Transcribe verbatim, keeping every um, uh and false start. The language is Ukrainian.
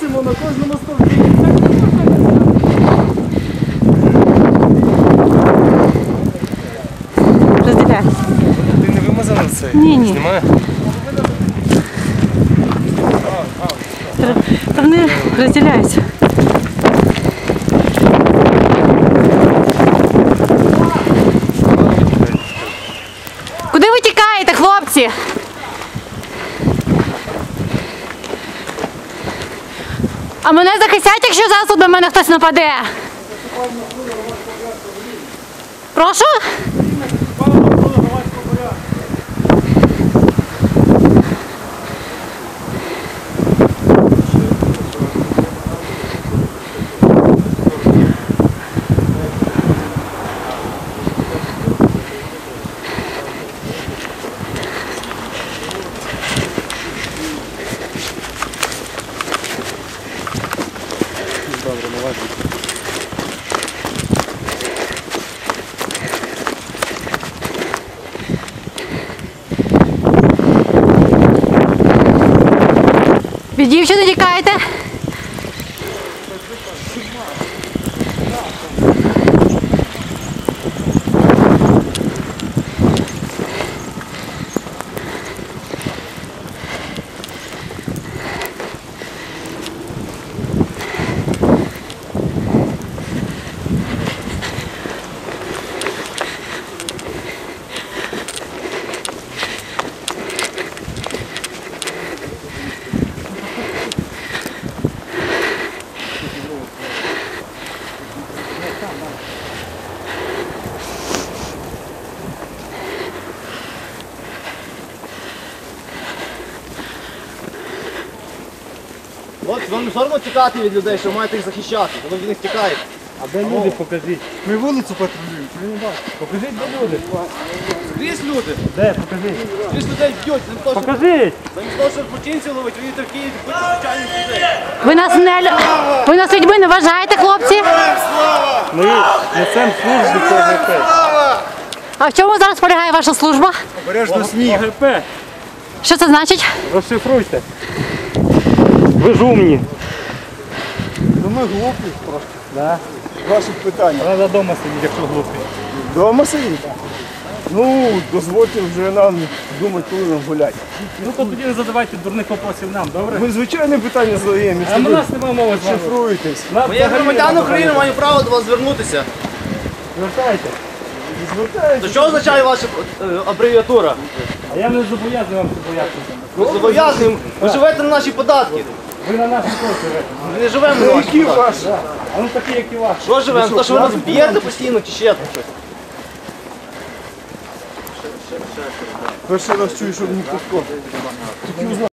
висимо на кожному стовпі. Розділяйся. Ти не вимазана це? Ні, ні. Знімає? Та вони розділяються. Куди ви тікаєте, хлопці? А мене захистять, якщо зараз тут на мене хтось нападе? Прошу? Добре, не важливо. Від дівчини тікаєте? От, вам не соромно тікати від людей, що маєте їх захищати, ви від них тікаєте. А де люди, покажіть. Ми вулицю патрулюємо, ми не бачимо. Покажіть, де люди. Скрізь люди, Де, покажіть. скрізь людей б'ють, замість того, щоб, Покажіть. замість того, щоб злочинців ловити, ви їдете в Київ, бити звичайних людей. Ви нас не лю- ви нас людьми не вважаєте, хлопці? Ми несемо службу по ОГП. А в чому зараз полягає ваша служба? Обережно сніг. ОГП. Що це значить? Розшифруйте. Ви ж умні. Ну ми глупі просто. Да. Ваші питання. Треба вдома сидіти, якщо глупі. Дома сидіти? Ну, дозвольте вже нам думати, коли нам гуляти. Ну то тоді не задавайте дурних вопросів нам, добре? Ми звичайне питання задаємо, А якщо у ви нас немає мови з вами. шифруєтесь. Нам Ми як взагалі громадяни немає України мови. маємо право до вас звернутися. Звертайте. То що означає ваша е, абревіатура? А я не зобов'язаний вам це боятися. Ми зобов'язуємо, ви живете на наші податки. Ви на нашій кошті живете. Ми не живемо на ваші Які податки. ваші? А ну такі, як і ваші. Що живемо? То, що ви нас б'єте постійно чи ще там щось? Перший раз чую, щоб ніхто.